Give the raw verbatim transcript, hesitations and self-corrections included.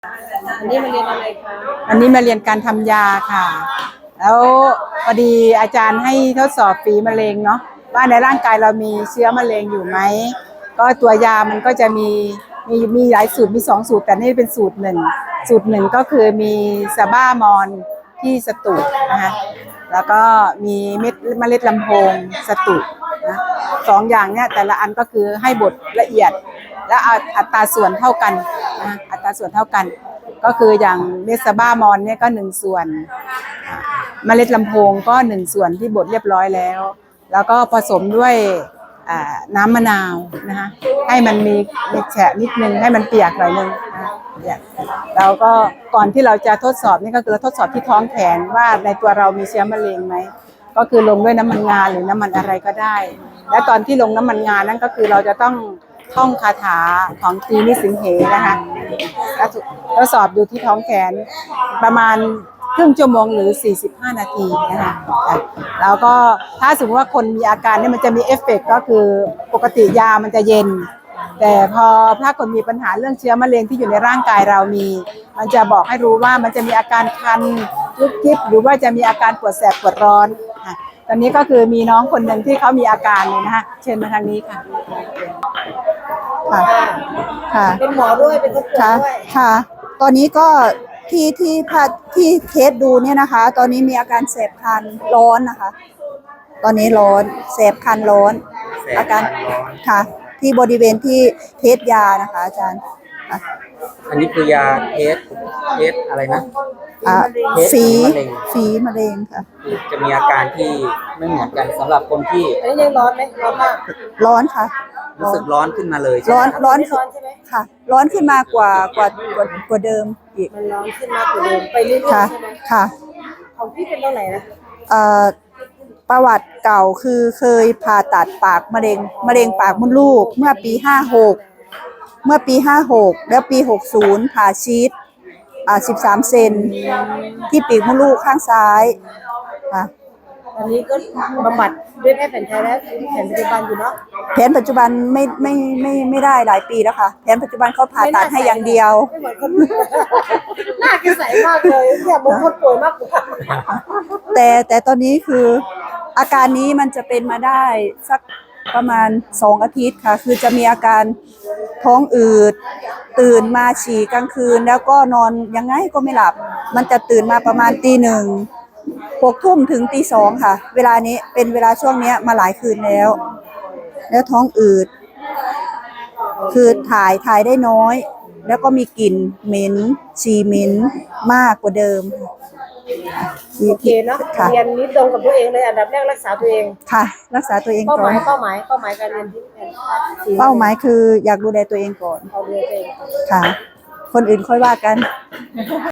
อันนี้มาเรียนอะไรคะอันนี้มาเรียนการทำยาค่ะ แล้วพอดีอาจารย์ให้ทดสอบฝีมะเร็งเนาะว่าในร่างกายเรามีเชื้อมะเร็งอยู่ไหมก็ตัวยามันก็จะมีมีมีหลายสูตรมีสองสูตรแต่นี่เป็นสูตรหนึ่งสูตรหนึ่งก็คือมีซาบ้ามอนที่สตุนะคะแล้วก็มีเม็ดเมล็ดลำโพงสตุนะสองอย่างเนี่ยแต่ละอันก็คือให้บดละเอียดและอัตราส่วนเท่ากันนะอัตราส่วนเท่ากันก็คืออย่างเมสซาบ้ามอนเนี่ยก็หนึ่งส่วนเมล็ดลำโพงก็หนึ่งส่วนที่บดเรียบร้อยแล้วแล้วก็ผสมด้วยน้ำมะนาวนะคะให้มันมีมีแฉะนิดนึงให้มันเปียกหน่อยนึงนะเราก็ก่อนที่เราจะทดสอบนี่ก็คือทดสอบที่ท้องแขนว่าในตัวเรามีเชื้อมะเร็งไหมก็คือลงด้วยน้ำมันงาหรือน้ำมันอะไรก็ได้และตอนที่ลงน้ำมันงานั่นก็คือเราจะต้องท่องคาถาของตรีนิสิงเหนะคะทดสอบดูที่ท้องแขนประมาณครึ่งชั่วโมงหรือสี่สิบห้านาทีนะคะแล้วก็ถ้าสมมติว่าคนมีอาการเนี่ยมันจะมีเอฟเฟกต์ก็คือปกติยามันจะเย็นแต่พอถ้าคนมีปัญหาเรื่องเชื้อมะเร็งที่อยู่ในร่างกายเรามีมันจะบอกให้รู้ว่ามันจะมีอาการคันยุบยิบหรือว่าจะมีอาการปวดแสบปวดร้อนตอนนี้ก็คือมีน้องคนหนึ่งที่เขามีอาการเลยนะคะเชิญมาทางนี้ค่ะค่ะค่ะเป็นหมอด้วยเป็นคนป่วยด้วยค่ะตอนนี้ก็ที่ที่พัดที่เทสดูเนี่ยนะคะ ตอนนี้มีอาการแสบคันร้อนนะคะ ตอนนี้ร้อนแสบคันร้อนอาการค่ะที่บริเวณที่เทสยานะคะอาจารย์อันนี้คือยาเทสเทสอะไรนะอ่าฝีฝีมะเร็งค่ะจะมีอาการที่ไม่เหมือนกันสำหรับคนที่อันนี้ยังร้อนไหมร้อนมากร้อนค่ะรู้สึกร้อนขึ้นมาเลยร้อนร้อนใช่ไหมค่ะร้อนขึ้นมากว่ากว่ากว่ากว่าเดิมอีกมันร้อนขึ้นมากกว่าเดิมไปเรื่อยๆใช่ไหมค่ะของพี่เป็นเท่าไหร่นะเอ่อประวัติเก่าคือเคยผ่าตัดปากมะเร็งมะเร็งปากมดลูกเมื่อปีห้าหกเมื่อปีห้าหกแล้วปีหกสิบผ่าชีทอ่าสิบสามเซนที่ปีกมดลูกข้างซ้ายค่ะตอนนี้ก็บำบัดด้วยแพทย์แผนไทยและแผนปัจจุบันอยู่เนาะแผนปัจจุบันไม่ไม่ไม่ไม่ได้หลายปีแล้วค่ะแผนปัจจุบันเขาผ่าตัดให้อย่างเดียวไม่เหมือนคนหน้าแกใสมากเลยเนี่ยบางคนป่วยมากกว่าแต่แต่ตอนนี้คืออาการนี้มันจะเป็นมาได้สักประมาณสองอาทิตย์ค่ะคือจะมีอาการท้องอืดตื่นมาฉี่กลางคืนแล้วก็นอนยังไงก็ไม่หลับมันจะตื่นมาประมาณตีหนึ่งหกทุ่มถึงตีสองค่ะเวลานี้เป็นเวลาช่วงนี้มาหลายคืนแล้วแล้วท้องอืดคือถ่ายถ่ายได้น้อยแล้วก็มีกลิ่นเหม็นฉี่เหม็นมากกว่าเดิมโอเคเนาะเรียนนี้ตรงกับตัวเองเลยอันดับแรกรักษาตัวเองค่ะรักษาตัวเองก่อนเป้าหมายเป้าหมายเป้าหมายการเรียนที่เป้าหมายคืออยากดูแลตัวเองก่อนเอาดูแลตัวเองค่ะคนอื่นค่อยว่ากัน